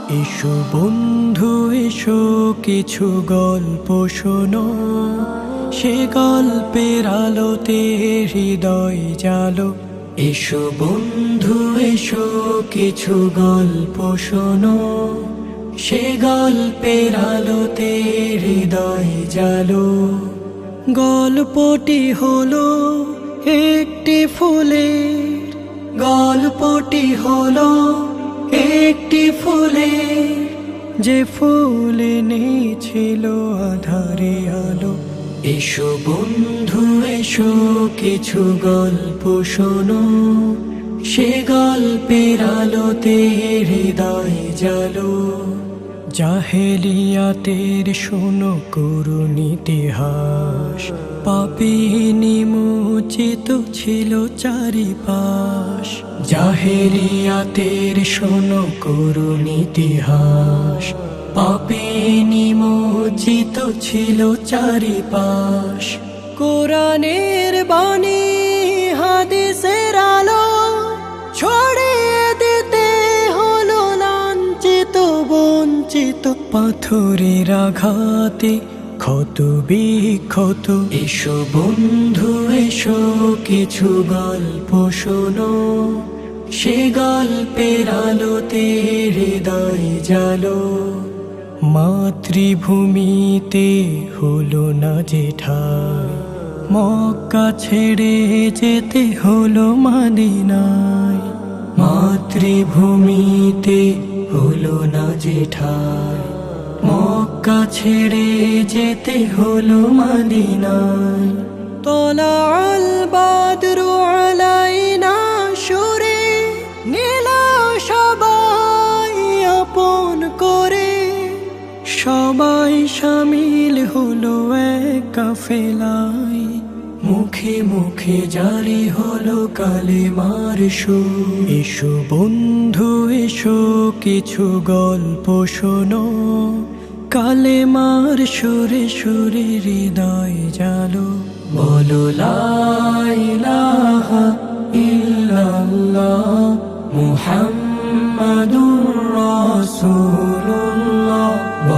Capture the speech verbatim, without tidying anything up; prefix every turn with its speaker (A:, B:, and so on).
A: এসো বন্ধু এসো কিছু গল্প শোনো, সে গল্পের আলোতে হৃদয় জালো। এসো বন্ধু এসো কিছু গল্প শোনো, সে গল্পের আলোতে হৃদয় জালো। গল্পটি হলো একটি ফুলের, গল্পটি হলো একটি ফুলের, যে ফুল এনেছিল আধারে আলো। এসো বন্ধু এসো কিছু গল্প শোনো, সে গল্পের আলোতে হৃদয় জালো। জাহেলিয়াতের শোনো করুণ ইতিহাস, পাপে নিমজ্জিত ছিল চারিপাশ। জাহেলিয়াতের শোনো করুণ ইতিহাস, পাপে নিমজ্জিত ছিল চারিপাশ। কোরআনের বাণী হাদিসের আলো ছড়িয়ে দিতে হলো লাঞ্ছিত বঞ্চিত পাথরের আঘাতে ক্ষত বিক্ষত। এসো বন্ধু এসো কিছু গল্প শোনো, সে গল্পের আলোতে হৃদয় জালো। মাতৃভূমিতে হলো না যে ঠাই, মক্কা ছেড়ে যেতে হলো মদিনায়। মাতৃভূমিতে হলো না যে ঠাই, মক্কা ছেড়ে যেতে হলো মদিনায়। তোলা আল বাদরু আলাইনা সুরে নীলা সবাই আপন করে, সবাই শামিল হলো এক কাফেলায়। মুখে মুখে জারি হলো কালেমার সুর। এসো বন্ধু এসো কিছু গল্প শোনো, কালেমার সুরে সুরে হৃদয় জালো। বলো লা ইলাহা ইল্লাল্লাহ মুহাম্মাদুর রাসূলুল্লাহ।